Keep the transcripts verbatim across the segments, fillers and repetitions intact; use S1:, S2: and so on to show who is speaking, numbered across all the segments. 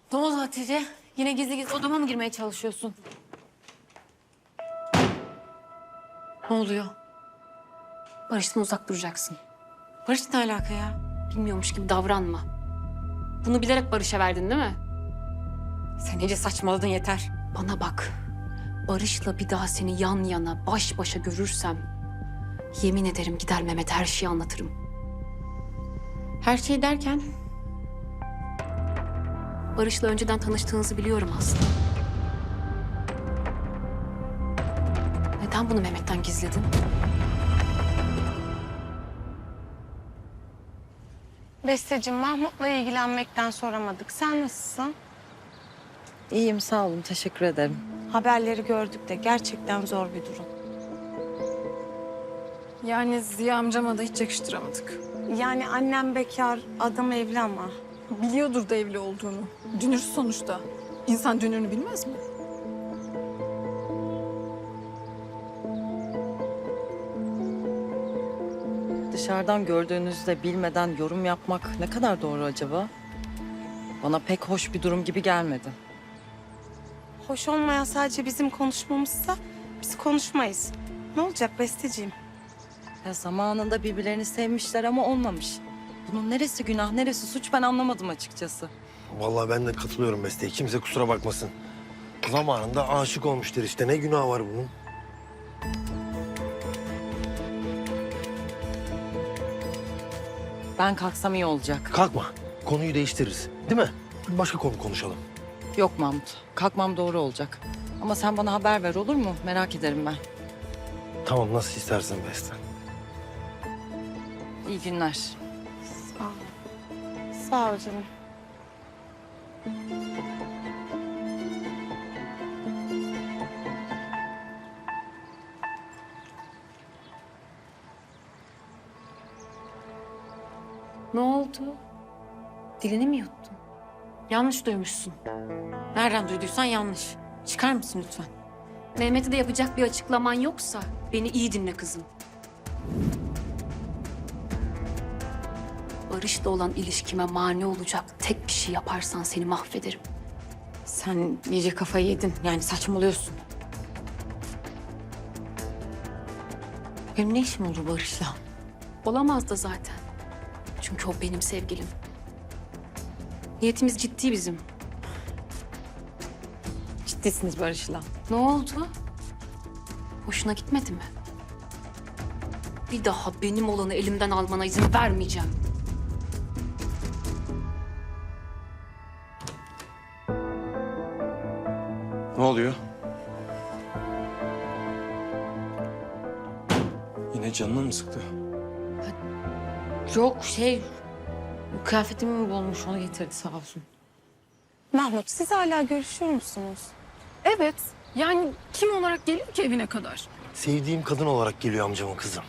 S1: Ne oldu Hatice? Yine gizli gizli odama mı girmeye çalışıyorsun? Ne oluyor?
S2: Barış'tan uzak duracaksın.
S1: Barış ne alaka ya?
S2: Bilmiyormuş gibi davranma. Bunu bilerek Barış'a verdin değil mi?
S1: Sen iyice saçmaladın yeter.
S2: Bana bak. Barış'la bir daha seni yan yana, baş başa görürsem... ...yemin ederim gider Mehmet'e her şeyi anlatırım.
S1: Her şey derken
S2: Barış'la önceden tanıştığınızı biliyorum aslında. Neden bunu Mehmet'ten gizledin?
S3: Besteciğim, Mahmut'la ilgilenmekten soramadık. Sen nasılsın?
S4: İyiyim, sağ olun. Teşekkür ederim.
S3: Haberleri gördük de gerçekten zor bir durum.
S5: Yani Ziya amcama da hiç yakıştıramadık.
S3: Yani annem bekar, adam evli ama.
S5: Biliyordur da evli olduğunu. Dünür sonuçta. İnsan dünürünü bilmez mi?
S4: Dışarıdan gördüğünüzde bilmeden yorum yapmak ne kadar doğru acaba? Bana pek hoş bir durum gibi gelmedi.
S3: Hoş olmayan sadece bizim konuşmamızsa biz konuşmayız. Ne olacak Besteciğim?
S4: Ya zamanında birbirlerini sevmişler ama olmamış. Bunun neresi günah, neresi suç ben anlamadım açıkçası.
S6: Vallahi ben de katılıyorum Beste'ye. Kimse kusura bakmasın. Zamanında aşık olmuştur işte. Ne günah var bunun?
S4: Ben kalksam iyi olacak.
S6: Kalkma. Konuyu değiştiririz. Değil mi? Başka konu konuşalım.
S4: Yok Mahmut, kalkmam doğru olacak. Ama sen bana haber ver olur mu? Merak ederim ben.
S6: Tamam, nasıl istersen Beste.
S4: İyi günler.
S3: Sağ ol. Sağ ol canım.
S2: Ne oldu? Dilini mi yuttun?
S1: yanlış duymuşsun. Nereden duyduysan yanlış. Çıkar mısın lütfen?
S2: Mehmet'e de yapacak bir açıklaman yoksa beni iyi dinle kızım. Barış'la olan ilişkime mani olacak tek bir şey yaparsan seni mahvederim.
S1: Sen iyice kafayı yedin. Yani saçmalıyorsun. Benim ne işim olur Barış'la?
S2: Olamaz da zaten. Çünkü o benim sevgilim. Niyetimiz ciddi bizim.
S1: Ciddisiniz Barış'la.
S2: Ne oldu? Hoşuna gitmedi mi? Bir daha benim olanı elimden almana izin vermeyeceğim.
S7: Ne oluyor? Yine canını mı sıktı?
S1: Yok şey... Kıyafetimi mi bulmuş onu getirdi sağ olsun.
S3: Mahmut, siz hala görüşüyor musunuz?
S5: Evet. Yani kim olarak geliyor ki evine kadar?
S6: Sevdiğim kadın olarak geliyor amcamın kızı.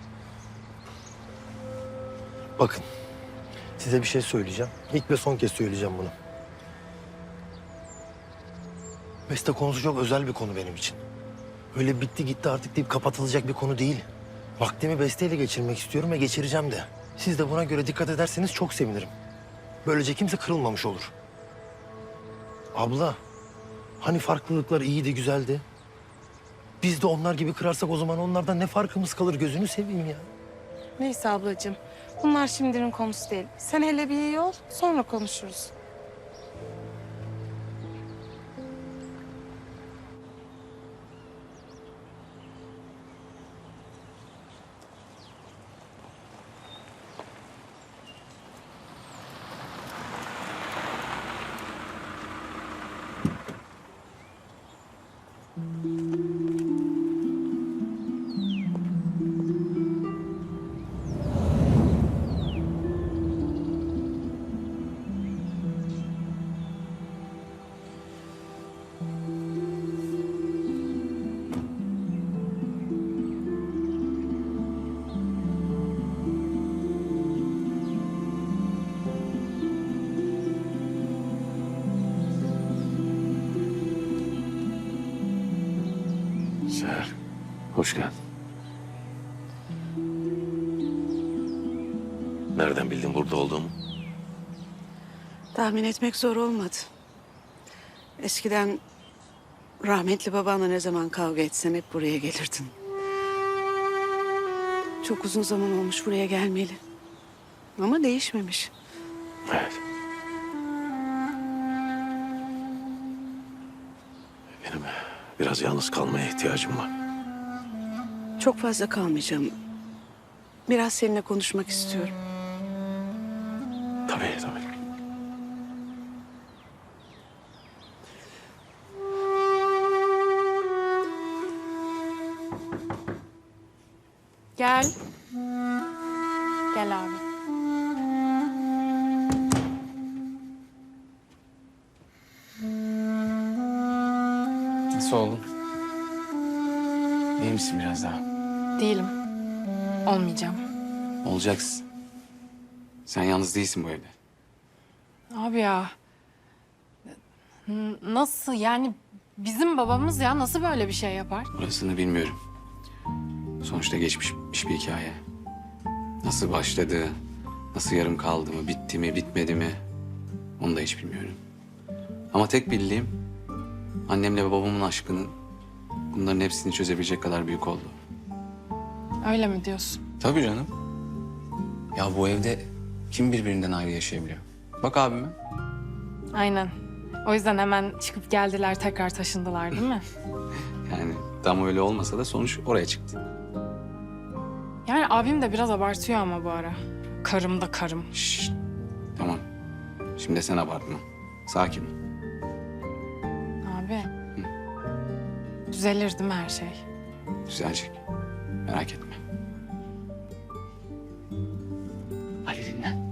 S6: Bakın, size bir şey söyleyeceğim. İlk ve son kez söyleyeceğim bunu. Beste konusu çok özel bir konu benim için. Öyle bitti gitti artık deyip kapatılacak bir konu değil. Vaktimi Beste'yle geçirmek istiyorum ve geçireceğim de. Siz de buna göre dikkat ederseniz çok sevinirim. Böylece kimse kırılmamış olur. Abla, hani farklılıklar iyiydi, güzeldi. Biz de onlar gibi kırarsak o zaman onlardan ne farkımız kalır gözünü seveyim ya.
S3: Neyse ablacığım, bunlar şimdinin konusu değil. Sen hele bir iyi ol, sonra konuşuruz.
S7: Seher, hoş geldin. Nereden bildin burada olduğumu?
S3: Tahmin etmek zor olmadı.
S8: Eskiden rahmetli babanla ne zaman kavga etsen hep buraya gelirdin. Çok uzun zaman olmuş buraya gelmeyeli. Ama değişmemiş.
S7: Evet. Benim biraz yalnız kalmaya ihtiyacım var.
S8: Çok fazla kalmayacağım. Biraz seninle konuşmak istiyorum.
S7: Tabii tabii.
S1: Gel. Gel abi.
S9: Nasıl oldun? İyi misin biraz daha?
S1: Değilim. Olmayacağım.
S9: Olacaksın. Sen yalnız değilsin bu evde.
S1: Abi ya. N- Nasıl yani bizim babamız ya nasıl böyle bir şey yapar?
S9: Orasını bilmiyorum. Sonuçta geçmiş bir hikaye. Nasıl başladı, nasıl yarım kaldı mı, bitti mi, bitmedi mi? Onu da hiç bilmiyorum. Ama tek bildiğim annemle ve babamın aşkının bunların hepsini çözebilecek kadar büyük oldu.
S1: Öyle mi diyorsun?
S9: Tabii canım. Ya bu evde kim birbirinden ayrı yaşayabiliyor? Bak abime.
S1: Aynen. O yüzden hemen çıkıp geldiler tekrar taşındılar değil mi?
S9: Yani tam öyle olmasa da sonuç oraya çıktı.
S1: Yani abim de biraz abartıyor ama bu ara. Karım da karım.
S9: Şşş. Tamam. Şimdi sen abartma. Sakin ol.
S1: Abi. Düzelir değil mi her şey?
S9: Düzelecek. Merak etme. Hadi dinlen.